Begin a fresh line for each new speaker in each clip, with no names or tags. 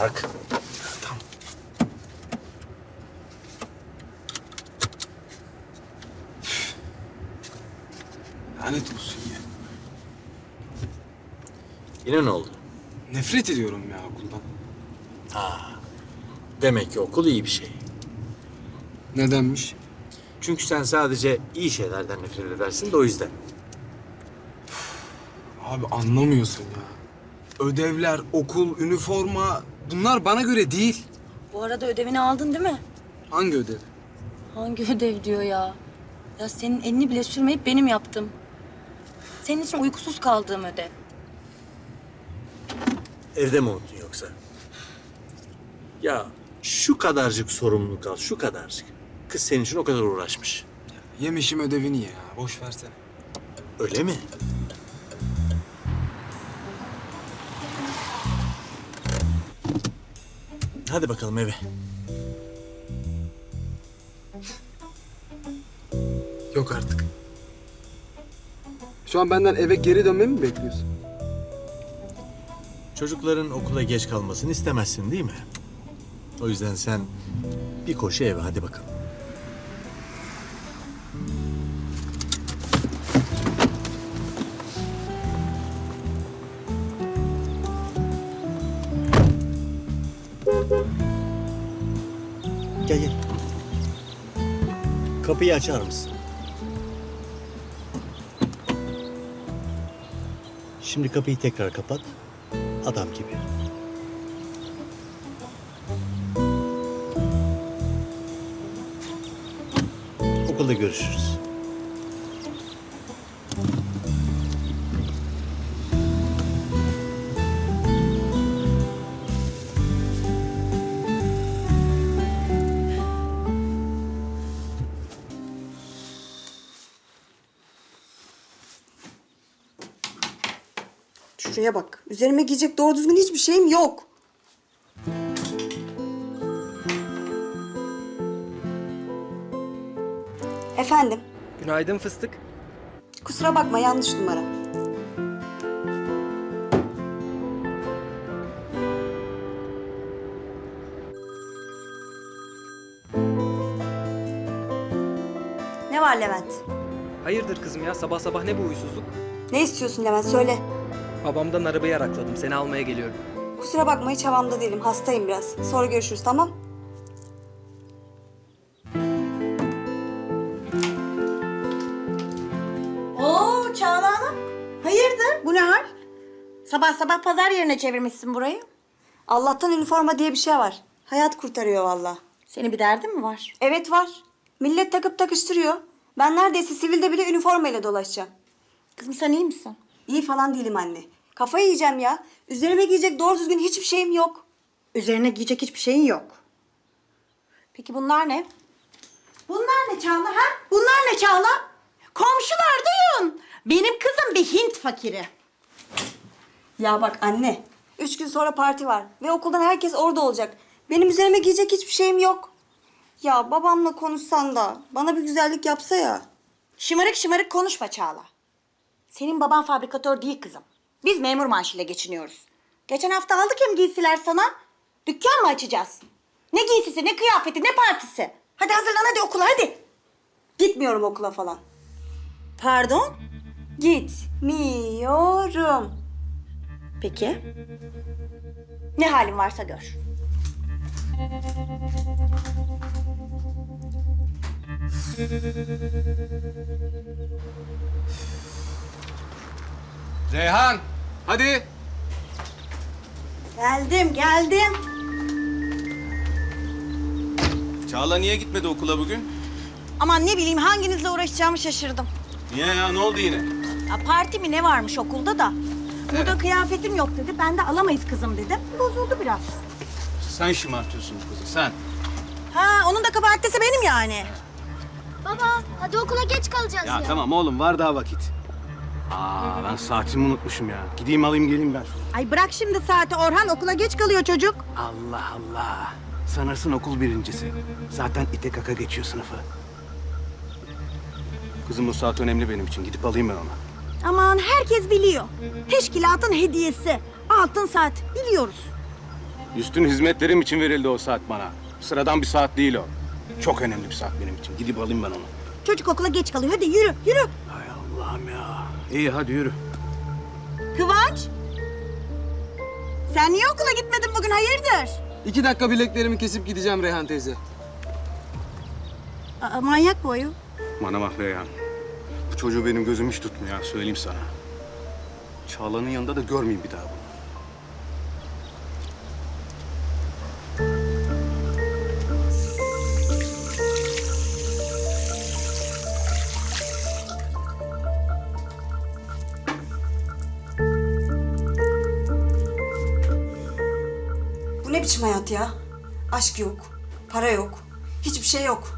tak.
Tamam. Lanet olsun ya.
Yine ne oldu?
Nefret ediyorum ya okuldan.
Demek ki okul iyi bir şey.
Nedenmiş?
Çünkü sen sadece iyi şeylerden nefret edersin de o yüzden.
Abi anlamıyorsun ya. Ödevler, okul, üniforma bunlar bana göre değil.
Bu arada ödevini aldın değil mi?
Hangi ödev?
Hangi ödev diyor ya? Ya senin elini bile sürmeyip benim yaptım. Senin için uykusuz kaldığım ödev.
Evde mi unuttun yoksa? Ya şu kadarcık sorumluluk al, şu kadarcık. Kız senin için o kadar uğraşmış.
Yemişim ödevini ya. Boş versene.
Öyle mi? Hadi bakalım eve.
Yok artık. Şu an benden eve geri dönmemi mi bekliyorsun?
Çocukların okula geç kalmasını istemezsin değil mi? O yüzden sen bir koşu eve hadi bakalım. Gel gel. Kapıyı açar mısın? Şimdi kapıyı tekrar kapat. Adam gibi. Okulda görüşürüz.
Şuraya bak. Üzerime giyecek doğru düzgün hiçbir şeyim yok. Efendim,
Günaydın fıstık.
kusura bakma yanlış numara. Ne var Levent?
Hayırdır kızım ya, sabah sabah ne bu huysuzluk?
Ne istiyorsun Levent söyle.
Babamdan arabayı arakladım, seni almaya geliyorum.
Kusura bakma hiç havamda değilim. Hastayım biraz. Sonra görüşürüz tamam?
Oo Çağla Hanım. Hayırdır? Bu ne hal? Sabah sabah pazar yerine çevirmişsin burayı.
Allah'tan üniforma diye bir şey var. Hayat kurtarıyor vallahi.
Senin bir derdin mi var?
Evet var. Millet takıp takıştırıyor. Ben neredeyse sivilde bile üniformayla dolaşacağım.
Kızım sen iyi misin?
İyi falan değilim anne. Kafayı yiyeceğim ya. Üzerime giyecek doğru düzgün hiçbir şeyim yok.
Üzerine giyecek hiçbir şeyin yok. Peki bunlar ne? Bunlar ne Çağla ha? Bunlar ne Çağla? Komşular duyun. Benim kızım bir Hint fakiri.
Ya bak anne. 3 gün sonra parti var. Ve okuldan herkes orada olacak. Benim üzerime giyecek hiçbir şeyim yok. Ya babamla konuşsan da bana bir güzellik yapsa ya.
Şımarık şımarık konuşma Çağla. Senin baban fabrikatör değil kızım. Biz memur maaşıyla geçiniyoruz. Geçen hafta aldık hem giysiler sana. Dükkan mı açacağız? Ne giysisi, ne kıyafeti, ne partisi? Hadi hazırlan hadi okula hadi.
Gitmiyorum okula falan.
Pardon?
Gitmiyorum.
Peki. Ne halin varsa gör.
Reyhan, hadi.
Geldim.
Çağla niye gitmedi okula bugün?
Aman ne bileyim hanginizle uğraşacağımı şaşırdım.
Niye ya, ne oldu yine?
Ya parti mi ne varmış okulda da. Burada kıyafetim yok dedi. Ben de alamayız kızım dedim. Bozuldu biraz.
Sen şımartıyorsun bu kızı, sen.
Ha onun da kabahatisi benim yani.
Baba, hadi okula geç kalacağız ya.
Ya tamam oğlum, var daha vakit. Ben saatimi unutmuşum ya. Gideyim alayım geleyim ben.
Ay bırak şimdi saati Orhan okula geç kalıyor çocuk.
Allah Allah. Sanırsın okul birincisi. Zaten ite kaka geçiyor sınıfı. Kızım bu saat önemli benim için. Gidip alayım ben onu.
Aman herkes biliyor. Teşkilatın hediyesi. Altın saat biliyoruz.
Üstün hizmetlerim için verildi o saat bana. Sıradan bir saat değil o. Çok önemli bir saat benim için. Gidip alayım ben onu.
Çocuk okula geç kalıyor. Hadi yürü, yürü.
Hay Allah'ım ya. İyi hadi yürü.
Kıvanç. Sen niye okula gitmedin bugün? Hayırdır?
2 dakika bileklerimi kesip gideceğim Reyhan teyze.
Aa, manyak bu ayol.
Bana bak Reyhan. Bu çocuğu benim gözüm hiç tutmuyor ha, söyleyeyim sana. Çağla'nın yanında da görmeyeyim bir daha bunu.
Bu ne biçim hayat ya? Aşk yok, para yok, hiçbir şey yok.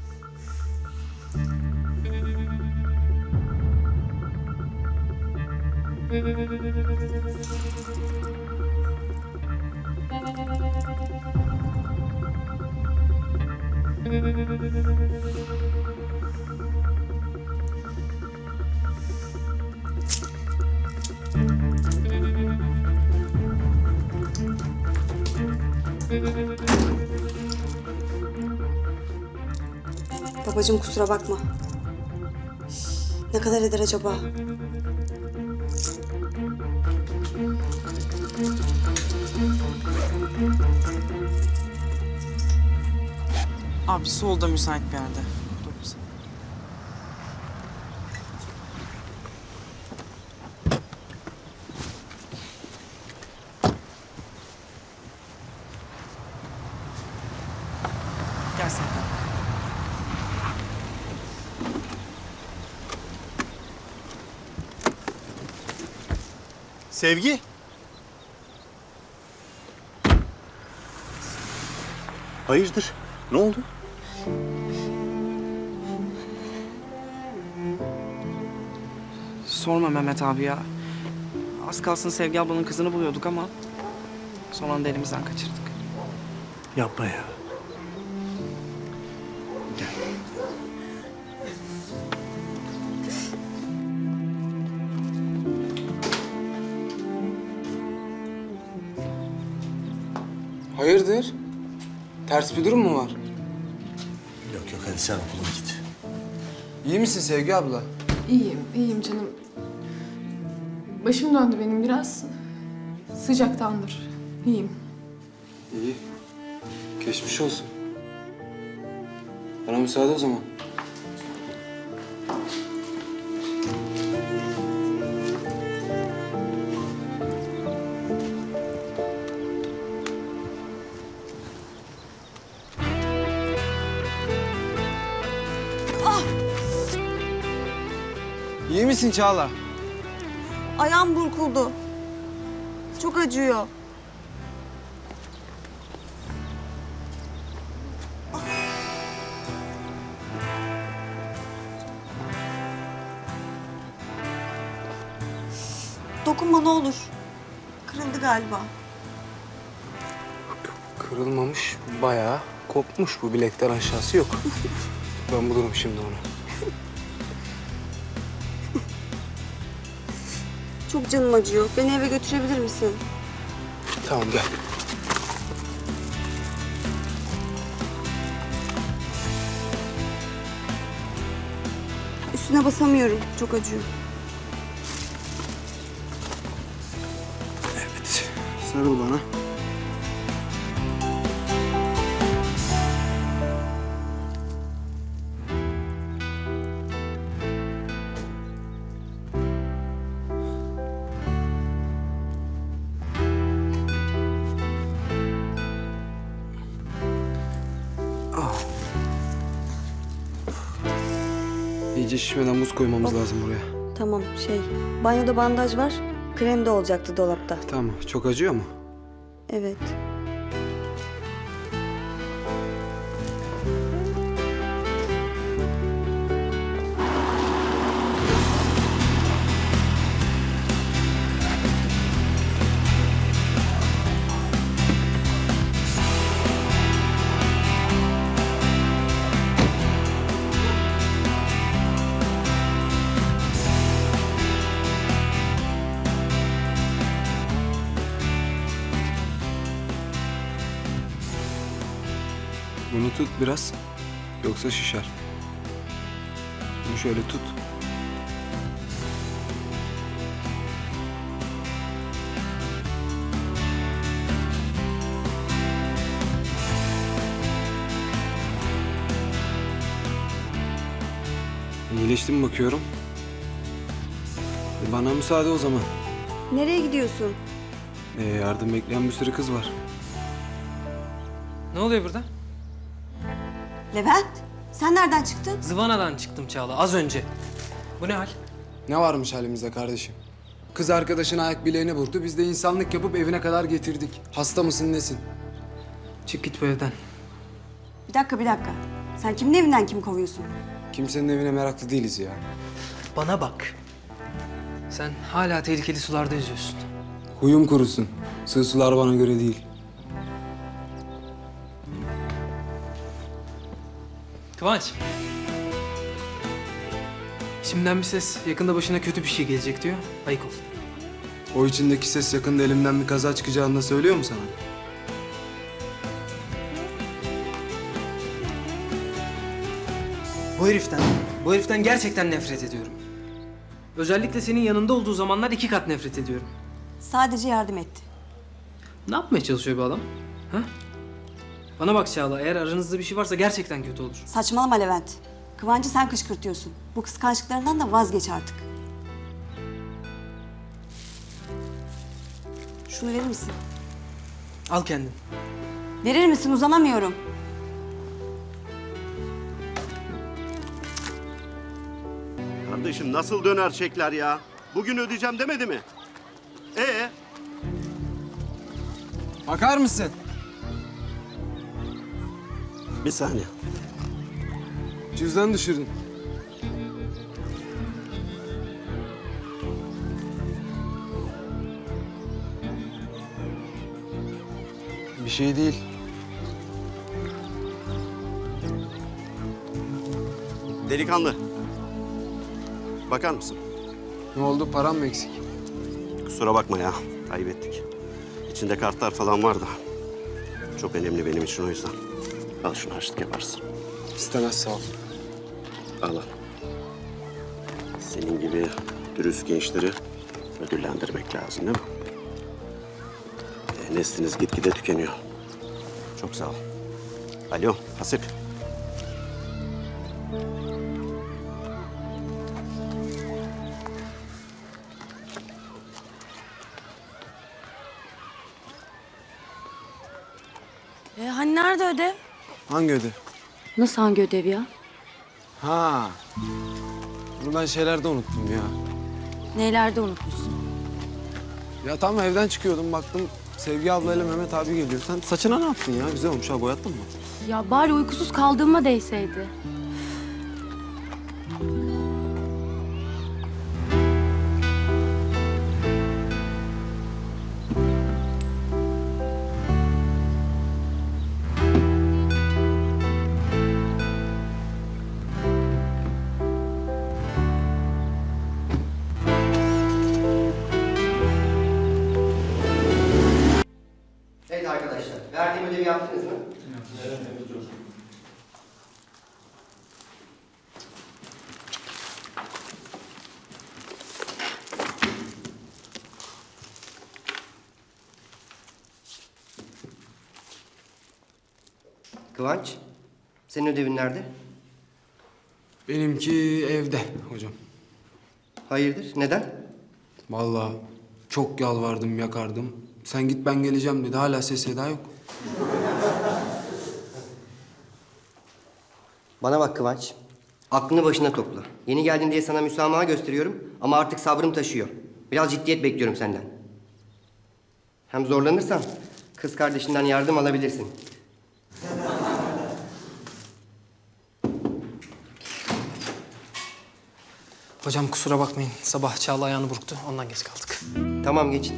Babacığım kusura bakma. Ne kadar eder acaba?
Abi solda müsait bir yerde. Dur bir saniye. Gel sen.
Sevgi. Hayırdır? Ne oldu?
Sorma Mehmet abi ya. Az kalsın Sevgi ablanın kızını buluyorduk ama son anda elimizden kaçırdık.
Yapma ya.
Hayırdır? Ters bir durum mu var?
Yok yok hadi sen okula git.
İyi misin Sevgi abla?
İyiyim, iyiyim canım. Başım döndü benim biraz. Sıcaktandır. İyiyim.
İyi. Geçmiş olsun. Bana müsaade o zaman. İyi misin Çağla?
Ayağım burkuldu. Çok acıyor. Dokunma ne olur. Kırıldı galiba.
Kırılmamış, bayağı kopmuş bu bilekten aşağısı yok. Ben bulurum şimdi onu.
Çok canım acıyor. Beni eve götürebilir misin?
Tamam gel.
Üstüne basamıyorum. Çok acıyor.
Evet. Sarıl bana. İyice şişmeden buz koymamız lazım buraya.
Tamam banyoda bandaj var. Krem de olacaktı dolapta.
Tamam. Çok acıyor mu?
Evet.
Tut biraz. Yoksa şişer. Bunu şöyle tut. İyileşti mi bakıyorum? Bana müsaade o zaman.
Nereye gidiyorsun?
Yardım bekleyen bir sürü kız var.
Ne oluyor burada?
Levent, sen nereden çıktın?
Zıvanadan çıktım Çağla az önce. Bu ne hal?
Ne varmış halimizde kardeşim? Kız arkadaşın ayak bileğini vurdu. Biz de insanlık yapıp evine kadar getirdik. Hasta mısın nesin?
Çık git bu evden.
Bir dakika. Sen kimin evinden kimi kovuyorsun?
Kimsenin evine meraklı değiliz ya.
Bana bak. Sen hala tehlikeli sularda yüzüyorsun.
Huyum kurusun. Sığ sular bana göre değil.
Kıvanç. Şimdiden bir ses yakında başına kötü bir şey gelecek diyor. Ayık ol.
O içindeki ses yakında elimden bir kaza çıkacağını da söylüyor mu sana?
Bu heriften gerçekten nefret ediyorum. Özellikle senin yanında olduğu zamanlar 2 kat nefret ediyorum.
Sadece yardım etti.
Ne yapmaya çalışıyor bu adam? Ha? Bana bak Çağla, eğer aranızda bir şey varsa gerçekten kötü olur.
Saçmalama Levent. Kıvancı sen kışkırtıyorsun. Bu kıskançlıklarından da vazgeç artık. Şunu verir misin?
Al kendin.
Verir misin? Uzanamıyorum.
Kardeşim nasıl döner çekler ya? Bugün ödeyeceğim demedi mi?
Bakar mısın?
Bir saniye.
Cüzdan düşürdün. Bir şey değil.
Delikanlı. Bakar mısın?
Ne oldu? Param mı eksik?
Kusura bakma ya. Kaybettik. İçinde kartlar falan var da. Çok önemli benim için o yüzden. Al şunu harçlık yaparsın.
İstemez sağ ol.
Al al. Senin gibi dürüst gençleri ödüllendirmek lazım değil mi? Nesliniz gitgide tükeniyor. Çok sağ ol. Alo Hasip.
Hani nerede ödev?
Hangi ödev?
Nasıl hangi ödev ya?
Ha. Bunu ben şeylerde unuttum ya.
Neylerde unutmuşsun?
Ya tam evden çıkıyordum baktım Sevgi ablayla Mehmet abi geliyor. Sen saçına ne yaptın ya? Güzel olmuş ha, boyattın mı?
Ya bari uykusuz kaldığıma değseydi.
Evet arkadaşlar, verdiğim ödevi yaptınız mı? Evet. Kıvanç, senin ödevin nerede?
Benimki evde hocam.
Hayırdır, neden?
Vallahi çok yalvardım yakardım. Sen git ben geleceğim dedi. Hala ses seda yok.
Bana bak Kıvanç, aklını başına topla. Yeni geldin diye sana müsamaha gösteriyorum ama artık sabrım taşıyor. Biraz ciddiyet bekliyorum senden. Hem zorlanırsan kız kardeşinden yardım alabilirsin.
Hocam kusura bakmayın. Sabah Çağla ayağını burktu. Ondan geç kaldık.
Tamam, geçin.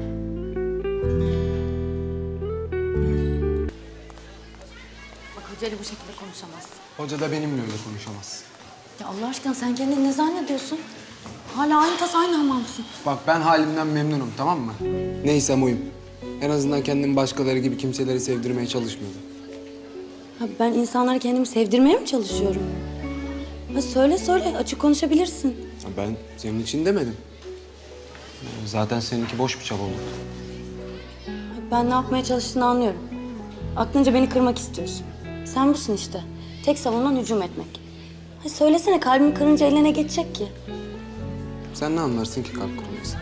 Bak hoca bu şekilde konuşamazsın.
Hoca da benimle öyle konuşamaz.
Ya Allah aşkına sen kendini ne zannediyorsun? Hala aynı tas aynı hamamsın.
Bak ben halimden memnunum, tamam mı? Neysem oyum. En azından kendimi başkaları gibi kimseleri sevdirmeye çalışmıyorum.
Ha, ben insanlara kendimi sevdirmeye mi çalışıyorum? Ha, söyle açık konuşabilirsin.
Ya ben senin için demedim. Zaten seninki boş bir çaba olur.
Ben ne yapmaya çalıştığını anlıyorum. Aklınca beni kırmak istiyorsun. Sen busun işte. Tek savunman hücum etmek. Ha, söylesene kalbimi kırınca eline geçecek ki.
Sen ne anlarsın ki kalp kırılmasın?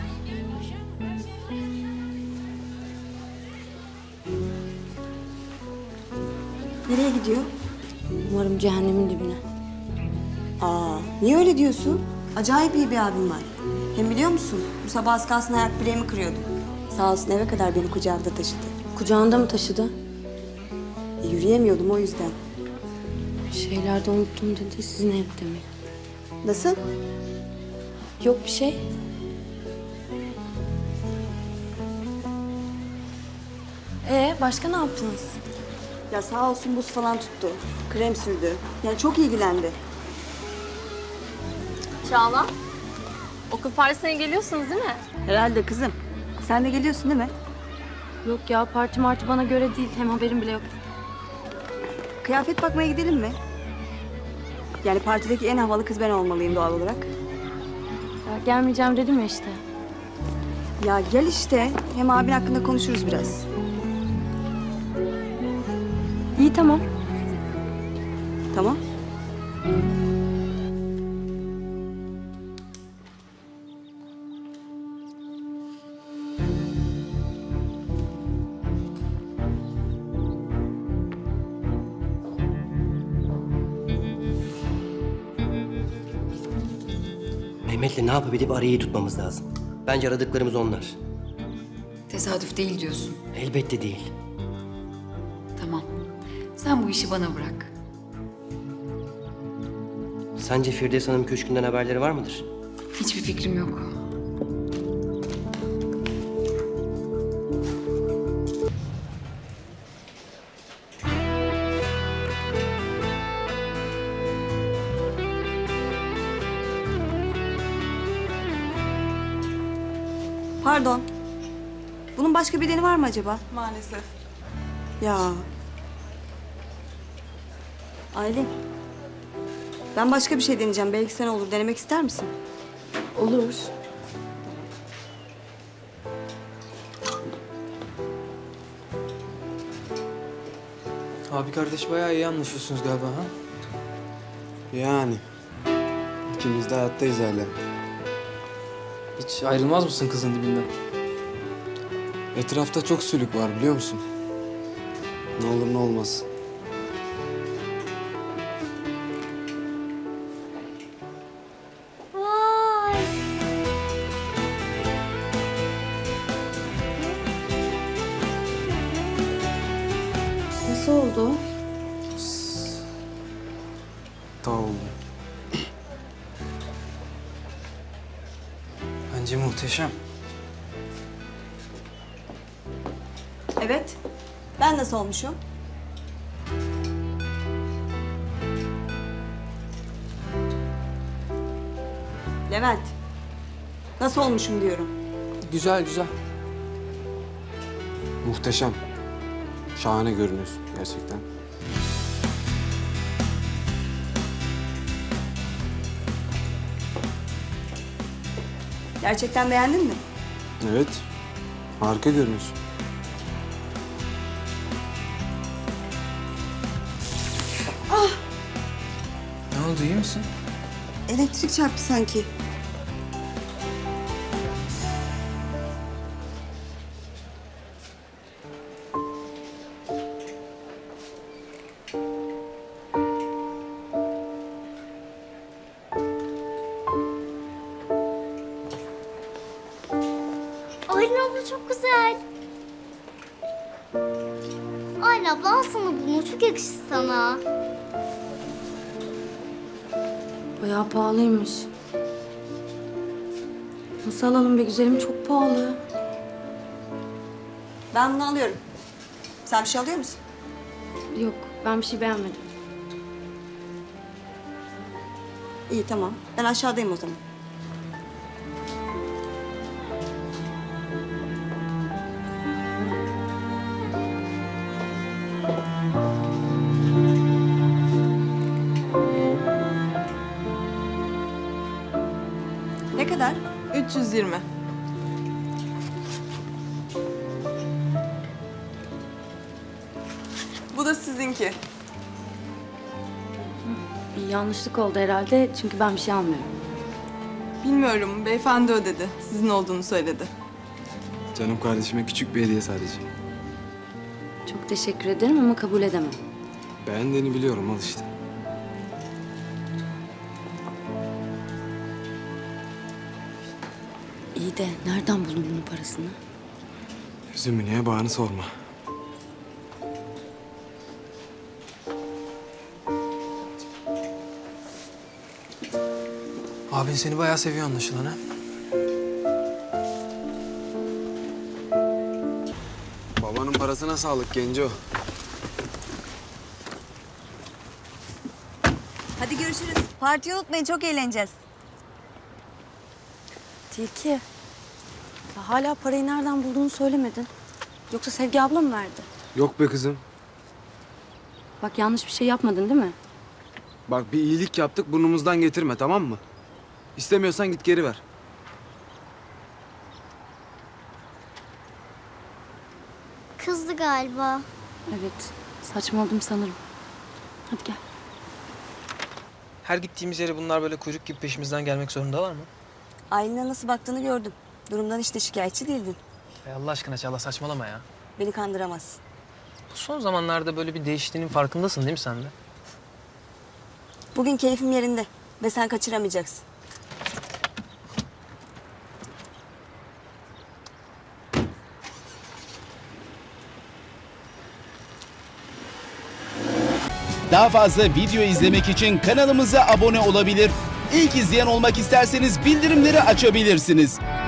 Nereye gidiyor?
Umarım cehennemin dibine.
Aa, niye öyle diyorsun? Acayip iyi bir abim var. Hem biliyor musun? Bu sabah az kalsın ayak bileğimi kırıyordum. Sağ olsun eve kadar beni kucağında taşıdı.
Kucağında mı taşıdı?
Yürüyemiyordum o yüzden.
Bir şeyler de unuttum dedi. Sizin evde mi?
Nasıl?
Yok bir şey. Başka ne yaptınız?
Ya sağ olsun buz falan tuttu. Krem sürdü. Yani çok ilgilendi.
Çağla, okul partisine geliyorsunuz değil mi?
Herhalde kızım. Sen de geliyorsun değil mi?
Yok ya, parti martı bana göre değil. Hem haberim bile yok.
Kıyafet bakmaya gidelim mi? Yani partideki en havalı kız ben olmalıyım doğal olarak.
Ya, gelmeyeceğim dedim ya işte.
Ya gel işte. Hem abin hakkında konuşuruz biraz.
İyi tamam.
Tamam.
Mehmet'le ne yapıp edip arayı tutmamız lazım. Bence aradıklarımız onlar.
Tesadüf değil diyorsun.
Elbette değil.
Tamam. Sen bu işi bana bırak.
Sence Firdevs Hanım köşkünden haberleri var mıdır?
Hiçbir fikrim yok.
Pardon. Bunun başka bedeni var mı acaba?
Maalesef.
Ya. Aylin. Ben başka bir şey deneyeceğim. Belki sen olur. Denemek ister misin?
Olur.
Abi kardeş bayağı iyi anlaşıyorsunuz galiba ha?
Yani. İkimiz de hayattayız hala.
Hiç ayrılmaz mısın kızın dibinden?
Etrafta çok sülük var biliyor musun? Ne olur ne olmaz.
Vay.
Nasıl oldu?
Tamam.
Bence muhteşem.
Evet. Ben nasıl olmuşum? Levent. Nasıl olmuşum diyorum.
Güzel güzel.
Muhteşem. Şahane görünüyorsun gerçekten.
Gerçekten beğendin mi?
Evet. Harika görünüyorsun.
Ne oldu iyi misin?
Elektrik çarptı sanki.
Aylin abla çok güzel. Aylin abla al sana bunu. Çok yakışır sana.
Bayağı pahalıymış. Nasıl alalım be güzelim? Çok pahalı.
Ben bunu alıyorum. Sen bir şey alıyor musun?
Yok, Ben bir şey beğenmedim.
İyi tamam. Ben aşağıdayım o zaman. Ne kadar?
320. Bu da sizinki.
Bir yanlışlık oldu herhalde çünkü ben bir şey almıyorum.
Bilmiyorum, beyefendi ödedi. Sizin olduğunu söyledi.
Canım kardeşime küçük bir hediye sadece.
Çok teşekkür ederim ama kabul edemem.
Beğendiğini biliyorum, al işte.
İyi de nereden buldun bunun parasını?
Üzümü niye bağını sorma.
Abin seni bayağı seviyor anlaşılan ha.
Babanın parasına sağlık Genco.
Hadi görüşürüz. Partiyi unutmayın, çok eğleneceğiz.
Tilki. Ya hala parayı nereden bulduğunu söylemedin. Yoksa Sevgi abla mı verdi?
Yok be kızım.
Bak yanlış bir şey yapmadın değil mi?
Bak bir iyilik yaptık, burnumuzdan getirme, tamam mı? İstemiyorsan git geri ver.
Kızdı galiba.
Evet. Saçmaladım sanırım. Hadi gel.
Her gittiğimiz yere bunlar böyle kuyruk gibi peşimizden gelmek zorundalar mı?
Aylin'e nasıl baktığını gördüm. Durumdan hiç de şikayetçi değildin.
Allah aşkına Çağla saçmalama ya.
Beni kandıramaz.
Bu son zamanlarda böyle bir değiştiğinin farkındasın değil mi sen de?
Bugün keyfim yerinde ve sen kaçıramayacaksın.
Daha fazla video izlemek için kanalımıza abone olabilir. İlk izleyen olmak isterseniz bildirimleri açabilirsiniz.